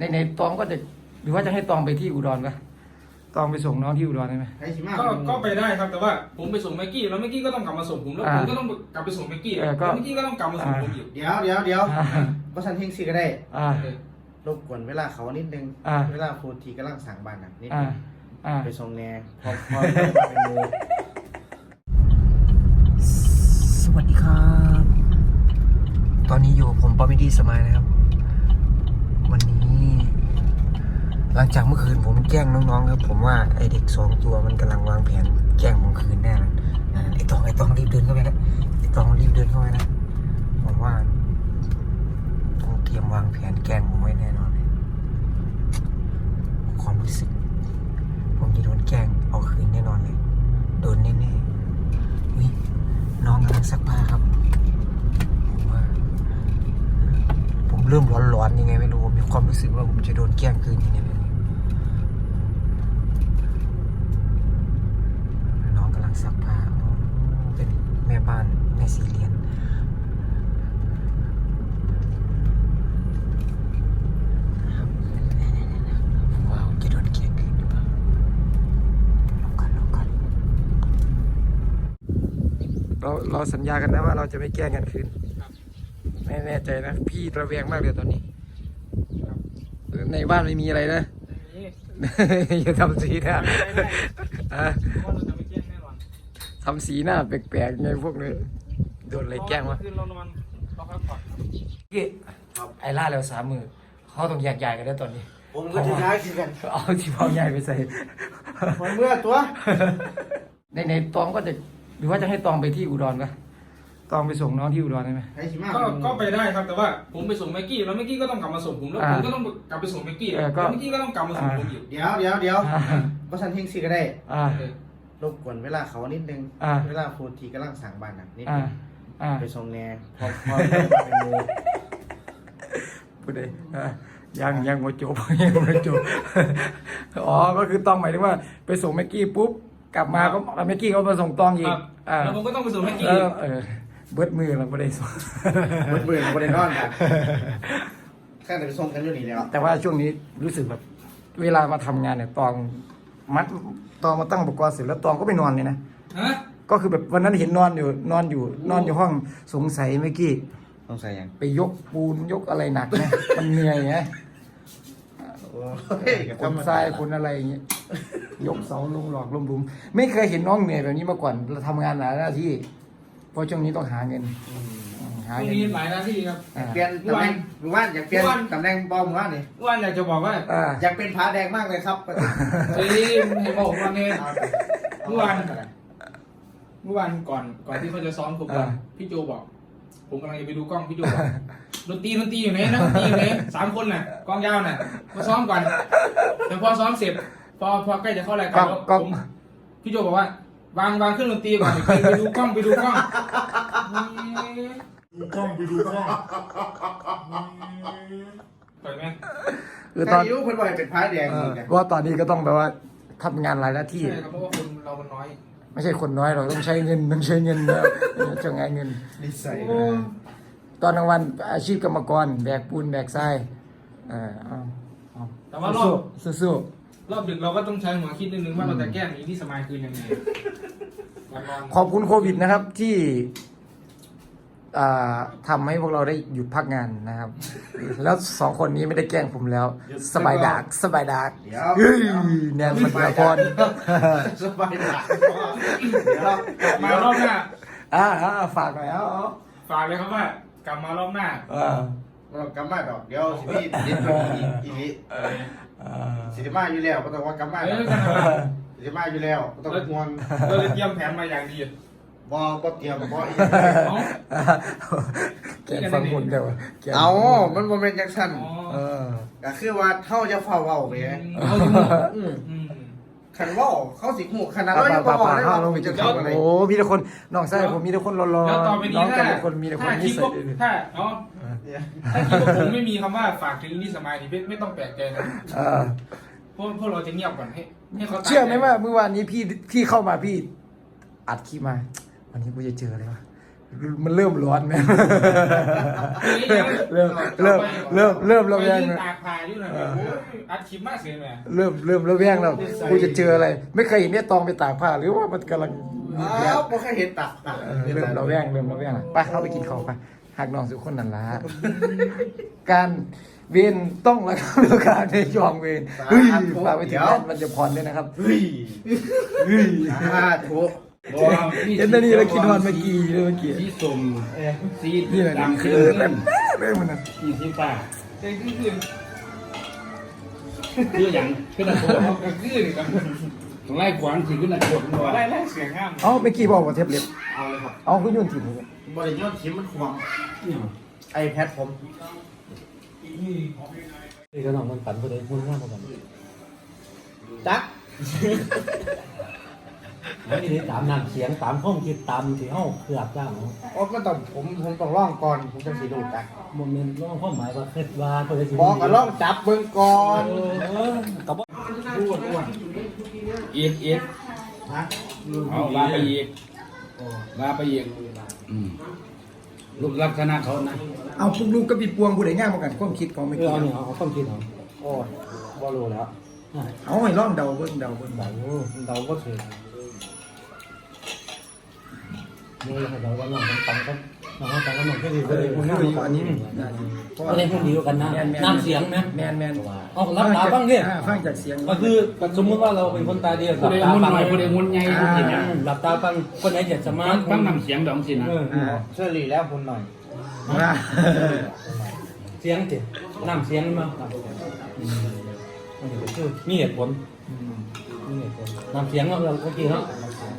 ในตองก็จะหรือว่าจะให้ตองไปที่อุดรปะตองไปส่งน้องที่อุดรได้ไหมก็ไปได้ครับแต่ว่าผมไปส่งแม็กกี้แล้วแม็กกี้ก็ต้องกลับมาส่งผมแล้วผมก็ต้องกลับไปส่งแม็กกี้แล้วแม็กกี้ก็ต้องกลับมาส่งผมอยู่เดี๋ยวว่าฉันทิ้งซีก็ได้รบกวนเวลาเขานิดนึงเวลาฟูทีกำลังสั่งบ้านนิดนึงไปส่งแน่พอเป็นมือสวัสดีครับตอนนี้อยู่ผมปอมิดี้สมายนะครับวันนี้หลังจากเมื่อคืนผมแกล้งน้องๆครับผมว่าไอเด็ก2 ตัวมันกำลังวางแผนแกล้งผมคืนแน่เลยไอตองรีบเดินเข้าไปนะไอตองรีบเดินเข้าไปนะผมว่าต้องเตรียมวางแผนแกล้งผมไว้แน่นอนเลยความรู้สึกผมจะโดนแกล้งเอาคืนแน่นอนเลยโดนแน่ๆวิน้องกำลังซักผ้าครับผมเริ่มร้อนๆยังไงไม่รู้ผมมีความรู้สึกว่าผมจะโดนแกล้งคืนยังไงไม่รู้น้องกำลังซักผ้าเป็นแม่บ้านแม่สีเลียนว้าวจะโดนแกล้งคืนหรือเปล่าลองกันเราสัญญากันนะว่าเราจะไม่แกล้งกันคืนไม่แน่ใจนะพี่ระแวงมากเลยตอนนี้ในบ้านไม่มีอะไรนะอย่าทำสีหน้าทำสีหน้าแปลกๆไงพวกนี้โดนอะไรแกล้งวะพี่ไอ้ล่าแล้ว3 มือเขาต้องแยกย้ายกันแล้วตอนนี้ผมก็จะย้ายกันเอาที่พ่อใหญ่ไปใส่เมื่อตัวในตองก็จะหรือว่าจะให้ตองไปที่อุดรปะตองไปส่งน้องที่อุดรได้ไหมก็ไปได้ครับแต่ว่าผมไปส่งแม็กกี้แล้วแม็กกี้ก็ต้องกลับมาส่งผมแล้วผมก็ต้องกลับไปส่งแม็กกี้แล้วแม็กกี้ก็ต้องกลับมาส่งผมอยู่เดี๋ยวว่าฉันทิ้งซีก็ได้รบกวนเวลาเขานิดนึงเวลาฟูทีกำลังสั่งบ้านนิดนึงไปส่งแน่พอเป็นมือพูดเลยยังโมโจอ๋อก็คือต้องหมายถึงว่าไปส่งแม็กกี้ปุ๊บกลับมาก็แม็กกี้ก็มาส่งตองอีกแล้วผมก็ต้องไปส่งแม็กกี้เบิดมือเราไม่ได้ส่งเบิดมือเราไม่ได้นอนกันแค่แต่ไปส่งกันอยู่นี่แล้วแต่ว่าช่วงนี้รู้สึกแบบเวลามาทำงานเนี่ยตองมาตั้งอุปกรณ์เสร็จแล้วตองก็ไปนอนเลยนะก็คือแบบวันนั้นเห็นนอนอยู่ห้องสงสัยเมื่อกี้สงสัยยังไปยกปูนยกอะไรหนักนะมันเหนื่อยไงคนทรายคนอะไรอย่างเงี้ยยกเสาลงหลอกลมบุมไม่เคยเห็นน้องเหนื่อยแบบนี้มาก่อนเราทำงานหลายหน้าที่เพราะช่วงนี้ต้องหาเงินมีหลายหน้าที่ครับเปลี่ยนตำแหน่งว่านอยากเปลี่ยนตำแหน่งบอมว่านนี่ว่านอยากจะบอกว่าอยากเป็นผาแดงมากเลยครับเฮ้ยให้บอกว่าเนี่ยเมื่อวานก่อนที่เขาจะซ้อมผมพี่โจบอกผมกำลังจะไปดูกล้องพี่โจบอกดนตรีอยู่ไหนนะดนตรีอยู่ไหน3 คนน่ะกองยาวน่ะมาซ้อมก่อนแต่พอซ้อมเสร็จพอใกล้จะเข้ารายการพี่โจบอกว่าวางเครื่องดนตรีก่อนไปดูกล้องไปดูกล้องปล่อยไหมคือตอนนี้เพิ่นบอกเป็นผาแดงว่าตอนนี้ก็ต้องแบบว่าทำงานหลายหน้าที่ใช่ครับเพราะว่าคนเรามันน้อยไม่ใช่คนน้อยหรอกต้องใช้เงินนะจะไงเงินนิสัยตอนกลางวันอาชีพกรรมกรแบกปูนแบกทรายแต่ว่ารอบสู้ดึกเราก็ต้องใช้หัวคิดนิดนึงว่าเราจะแก้หนีที่สมัยคืนยังไงขอบคุณโควิดนะครับที่ทำให้พวกเราได้หยุดพักงานนะครับแล้ว2 คนนี้ไม่ได้แกล้งผมแล้วสบายดากแนนมันละครสบายดากมารอบหน้าฝากหน่อยฝากเลยครับว่ากลับมารอบหน้ากลับมาดอกเดี๋ยวสิพี่ดิบอีนี้สิมาอยู่แล้วก็ต้องว่ากลับมาสิมาอยู่แล้วก็ต้องห่วงเราเตรียมแผนมาอย่างดีบ่เตรียมบ่อีกแกฟังคนเดียวเอามันบ่เป็นจังซั่นก็คือว่าเฮาจะเฝ้าเว้าไปคันเว้าเขาสิฮู้ขนาดเรายังบ่บอกได้ว่าจะทำอะไรโอ้มีแต่คนน้องชายผมมีแต่คนรอๆน้องแต่ละคนมีแต่คนนิสัยถ้าคิดว่าผมไม่มีคำว่าฝากถึงนี่สมัยนี่ไม่ต้องแปลกใจนะพวกเราจะเงียบก่อนให้เขาเชื่อไหมว่าเมื่อวานนี้พี่เข้ามาพี่อัดคลิปมาวันนี้กูจะเจออะไรวะมันเริ่มร้อนไหมเริ่มระแวงยืนนะตากผ้าอยู่นะอัดคลิปมากเสียไหมเริ่มระแวงแล้วกูจะเจออะไร ไม่เคยเห็นเนี่ยตองไปตากผ้าหรือว่ามันกำลังอ้าวบ่เคยเห็นตักเริ่มระแวงไปเข้าไปกินข้าวไปหักน้องสุขคนนั่นละการเวรต้องระงับแล้วการในยองเวรเฮ้ยฝากไปถึงนั่นมันจะผ่อนด้วยนะครับเฮ้ยถูกเห็นแต่นี่แล้วกินฮอนเมื่อกี้สีสมสีนี่แหละดำคืคือ อเต็มเลยมันนะสีฟ้าคืออย่างขึ้นหน้าโคตรก็คือนี่ครับต้องไล่ขวานสีขึ้นหน้าโคตรไล่เสียงห้ามเอ้าเมื่อกี้บอกว่าเทปเล็บเอาเลยครับเอาขึ้นยุ่นถิ่นเลยบริยอดชิมมันควงไอแพดผมนี่ก็น้องมันปั่นผู้ใดมุ่งหน้าเขาปั่นจักแล้วนี่ตามน้ำเสียงตามข้องคิดตามที่เฮาเกือบจ้างเนาะโอ้ก็ต้องผมต้องล่องก่อนผมจะสีดูจักโมเมนต์ร้องความหมายว่าคิดว่าผู้ใดสิบอกก็ล่องจับเบิ่งก่อนกับว่าอ้วนอีกนะเอาลาไปอีกรูปลักษณะเขานะเอาพวกลูกก็ปิดปวงผู้ใดง่ายมากันความคิดของเมื่อกี้เอาเนี่ยเอาความคิดเอาโอ้บ่รู้แล้วเอาให้ล่องเดาเบิ่งเดาก็ถือนี่ให้เดาว่าน้องมันปั่นก็น้องมันปั่นก็น้องก็ดีผู้ใดมุ่งหน้าคือเขาอยู่ปั่อันนนี้ผู้ใดมุ่งดีกันนะน้ำเสียงนะแมนเอารับตาบ้างเนี่ยฟังจากเสียงก็คือสมมติว่าเราเป็นคนตาดีหลับผู้ใดตามุนฟังหน่อยผู้ใดมุนใหญ่ผู้ใดนะหลับตาฟังคนไหนเจ็ดสมาร์ทฟังนำเสียงดองสินะเชื่อหลีแล้วคุณหน่อยว่าเสียงเจ็ดน้ำเสียงมามีเหตุผลน้ำเสียงเราเมื่อกี้เนาะ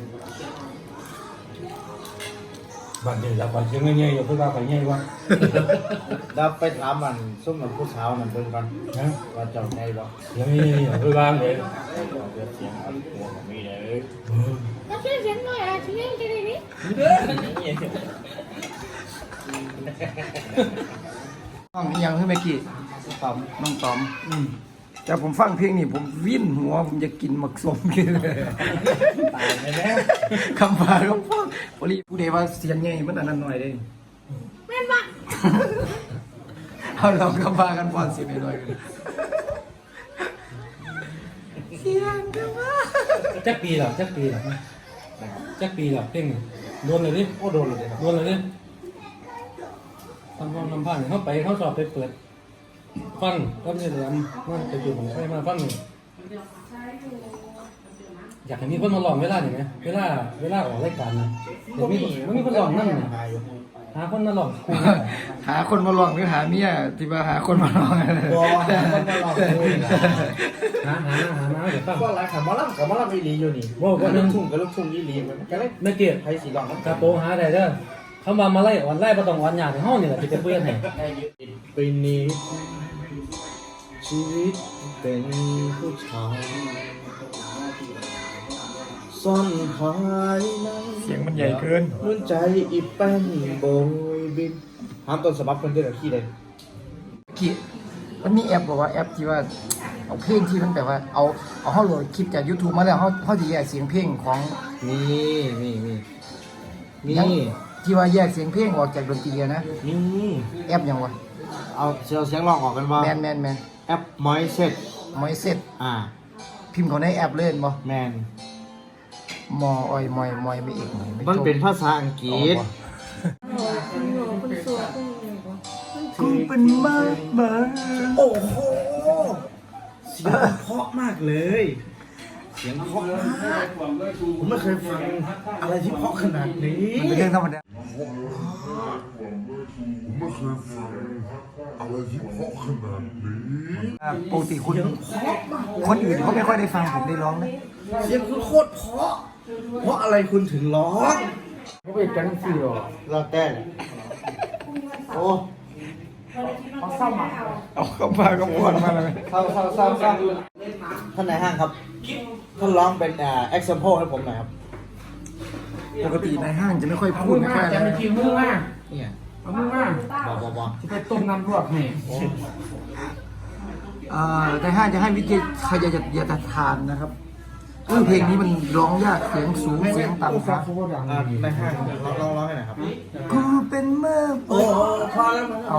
บางทีเราไปเสียงเงี้ยๆอยู่เพื่อว่าไปเงี้ยวะแล้วไปถามมันซุ่มมันผู้สาวมันเบิ่งก่อนว่าเจ้าไงบ่เสียงเงี้ยๆเพื่อว่าเลยเสียงอันหัวก็มีเลย Nó sẽ dẫn nói à, chị nghe cái này đi. น้องอีหยังคือเมื่อกี้ตอมน้องตอมแต่ผมฟังเพลงนี่ผมวิ่นหัวผมจะกินหมักสมกินเลยตายไปแล้วคำพาก็ฟังพอดีผู้ใดว่าเสียงไงมันอันนั้นหน่อยเลย Men mà, เอาลองคำพากันฟังเสียงหน่อยกันเสียงกันว่าจักปีหรอเพ่งโดนเลยดิโอ้โดนเลยครับโดนเลยดิทำห้องทำผ้าเนี่ยเขาไปเขาสอบไปเปิดฟังก็ไม่ได้ทำนั่นไปจุดของไปมาฟังนี่อยากให้มีคนมาลองเวลาหนิไหมเวลาออกรายการนะเดี๋ยวมีคนลองนั่นน่ะหาคนมาลองคุยหาคนมาลองหรือหาเมียที่ว่าหาคนมาลองตัวมันมาลองเลยนะหามาเดี๋ยวฟังก็ไรขับมาล่ำกับมาล่ำอีหลีอยู่นี่โว้ก็ลูนึกงทุ่งกับลูกทุ่งอีหลีมันก็เลยไม่เกี่ยวใครสีลองน้ำกระโปรงหาได้เด้อคำว่ามาไล่อ่อนไล่ประตองอ่อนยากในห้องนี่แหละที่จะเพื่อนให้ปีนี้ชีวิตเป็นผู้ชายซ่อนหายในเสียงมันใหญ่เกินหัวใจอีแป้นโบยบินห้ามต้นสมัครคนเดียวขี้เลยกี่มันมีแอปบอกว่าแอปที่ว่าเอาเพลงที่มันแบบว่าเอาเขาโหลดคลิปจาก YouTube มาแล้วเขาจะแยกเสียงเพลงของมีที่ว่าแยกเสียงเพลงออกจากดนตรีอะนะนี่แอปยังวะเอาเสียงลองออกกันว่าแมนแอปมอยเซ็ตมอยเซ็ต พิมพ์เขาในแอปเล่นบ่แมนมออยมอยไม่เอกไม่มันเป็นภาษาอังกฤษ con sủa con này của. กูเป็นมากมาโอ้โหเสียงเพราะมากเลย เสียงเพราะมากผมไม่เคยฟังอะไรที่เพราะขนาดนี้มันเป็นเรื่องธรรมดา ปกติคุณคนอื่นเขาไม่ค่อยได้ฟังผมได้ร้องนะเสียงคุณโคตรเพราะอะไรคุณถึงร้องเขาเป็นจังซี่หรอเราแต่โอ้เอาเข้ามาก็ปวดมาเลยเศร้าท่านนายห้างครับท่านร้องเป็นexample ให้ผมหน่อยครับปกติในห้างจะไม่ค่อยพูดไม่ค่อยอะไรจะไปกินมือมาเนี่ยเอามือมาบอกที่ไปต้มน้ำลวกให้ในห้างจะให้วิทยาทานนะครับเพลงนี้มันร้องยากเสียงสูงเสียงต่ำครับในห้างร้องให้หน่อยครับกูเป็นเมื่อโอ้พอแล้วเอา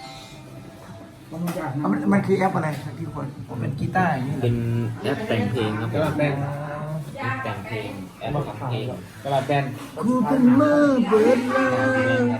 มันคือแอปอะไรครับพี่คนผมเป็นกีตาร์อย่างนี้เป็นแอปแต่งเพลงครับกระดาษแบนแต่งเพลงแอปทำเพลงกระดาษแบนกูเป็นเมื่อเบิดแล้ว